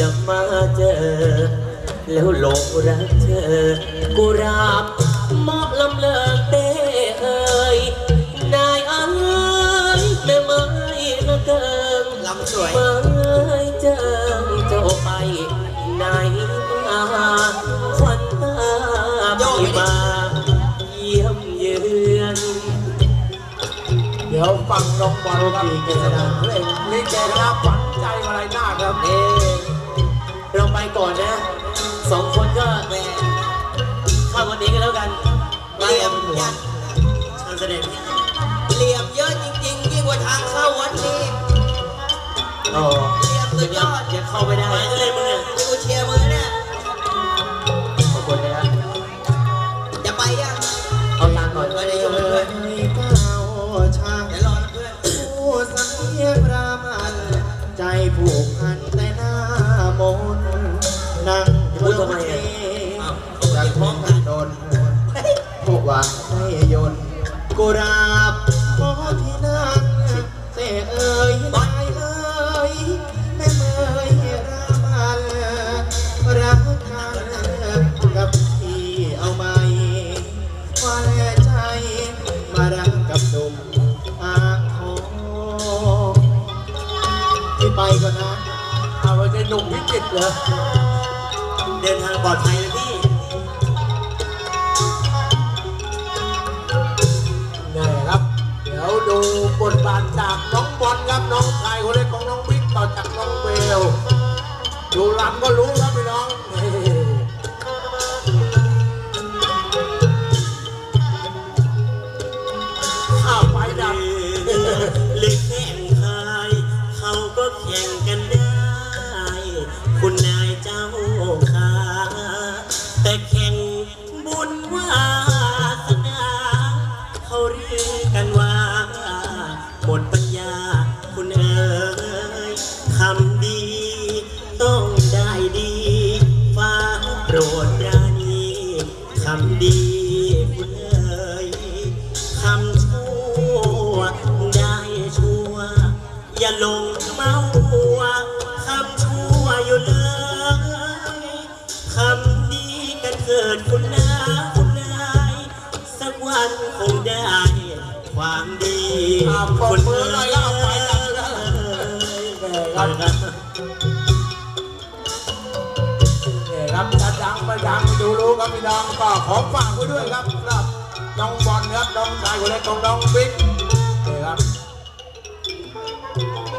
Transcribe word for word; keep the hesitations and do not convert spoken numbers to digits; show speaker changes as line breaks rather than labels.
จะมาเจอแล้วหลงรักเธอกูราบมอบลำเลิกเต้เอ่ยนายเอ๋ยแม่ไม้ละเกิงลำสวยเมื่อเจอเจ้าไปไหนมาควันตาไม่มาเยี่ยมเยือน
เดี๋ยวฟังน้องบอลครับเกษดาเพลงลิเกนะครับฝันใจอะไรหน้าครับเอ
เราไปก่อนนะสองคนก็แหมเข้าวันนี้กันแล้วกันเรียมยันเชิญเสด็จเหลี่ยมเยอะจริงๆยิ่งกว่าทางเข้าวัดนี้โอ้เหลี่ยมสุดยอดอย่าเข้าไปได้ไปเลยมึงเนี่ยกูเชียร์มึงเนี่ยขอบคุณนะจะไปยังเอาตังค์ก่อนไปได้ยกเพื่อน
ช้าง
เดี๋ยวรอเพื่อน
ผู้สังเวียนรามันใจผูกพันแต่หน้ามนนั่งพูดทำไมอ่ะจากท้องกันโดนพวกว่าให้ยนกุราบขอที่นั่งเสกเอ่ยนายเอ่ยแม่เมยรามันรักกันกับพี่เอาไหมว่าแลใจมารักกับหนุ่มอาโคที่ไปก่อนนะเอาไว้เป็นหนุ่มพิจิตรเหรอ
เดินทางปลอดภัยนะพี่
นี่ครับเดี๋ยวดูบทบาทจากน้องบอลครับน้องชายคนเล็กของน้องบิ๊กต่อจากน้องเบลดูรำก็รู้ครับพี่น้องข้าวไฟดับ
เล็กแข่งคายเขาก็แข่งกันได้คุณนายเจ้าขาแต่แข่งบุญวาสนาเขาเรียกกันว่าหมดปัญญาคุณเอ๋ยทำดีต้องได้ดีฟ้าโปรดปราณีทำดีคุณเอ๋ยทำชั่วได้ชั่วอย่าลงเมาหัวทำชั่วอยู่เลยทำดีกันเกิดคุณนาคุณนายสักวันคงได้ความดี
คนเมื่อไรแล้วเอาไปดับแล้วครับครับจะดังไม่ดังดูรู้ครับพี่น้องก็ขอฝากไว้ด้วยครับครับน้องบอลครับน้องชายคนเล็กของน้องบิ๊ก